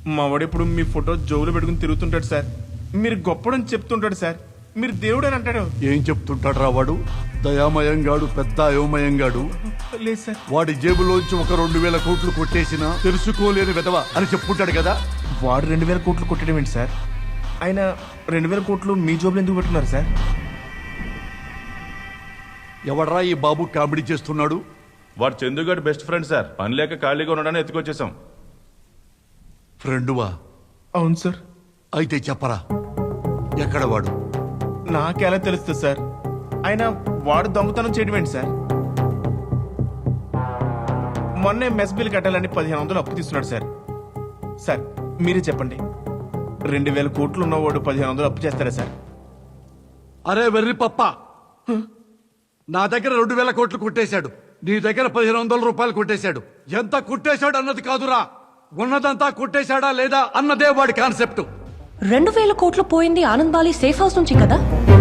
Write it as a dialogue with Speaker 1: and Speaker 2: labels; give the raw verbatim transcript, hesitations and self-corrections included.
Speaker 1: మా వాడు ఇప్పుడు మీ ఫోటో జోబులో పెట్టుకుని తిరుగుతుంటాడు సార్. మీరు గొప్పడని చెప్తుంటాడు సార్. మీరు దేవుడు అని అంటాడు.
Speaker 2: ఏం చెప్తుంటాడు రా వాడు? దయామయంగాడు, పెద్ద అయోమయంగాడు.
Speaker 1: లేదు సార్.
Speaker 2: వాడి జేబులోంచి ఒక రెండు వేల కోట్లు కొట్టేసినా తెలుసుకోలేని విధవ అని చెప్పుకుంటాడు కదా.
Speaker 1: వాడు రెండు వేల కోట్లు కొట్టడం ఏంటి సార్? ఆయన రెండు వేల కోట్లు మీ జోబులు ఎందుకు పెట్టుకున్నారు సార్?
Speaker 2: ఎవడ్రా ఈ బాబు కామెడీ చేస్తున్నాడు?
Speaker 3: వాడు చందుగాడు బెస్ట్ ఫ్రెండ్ సార్. పని లేక ఖాళీగా ఉండడానికి ఎత్తుకొచ్చేసాం.
Speaker 2: ఫ్రెండువా?
Speaker 1: అవును సార్.
Speaker 2: అయితే చెప్పరా, ఎక్కడ వాడు?
Speaker 1: నాకెలా తెలుస్తుంది సార్? ఆయన వాడు దొంగతనం చేయడం ఏంటి సార్? మొన్నే మెస్ బిల్ కట్టాలని పదిహేను వందలు అప్పు తీసుకున్నాడు సార్. సార్ మీరే చెప్పండి, రెండు వేల కోట్లు ఉన్నవాడు పదిహేను వందలు అప్పు చేస్తారా సార్?
Speaker 2: అరే వెర్రి పప్ప, నా దగ్గర రెండు వేల కోట్లు కొట్టేశాడు, నీ దగ్గర పదిహేను వందల రూపాయలు కొట్టేశాడు. ఎంత కొట్టేశాడు అన్నది కాదురా, ఉన్నదంతా కొట్టేశాడా లేదా అన్నదే వాడి కాన్సెప్ట్.
Speaker 4: రెండు వేల కోట్లు పోయింది ఆనంద్ బాలి సేఫ్ హౌస్ నుంచి కదా?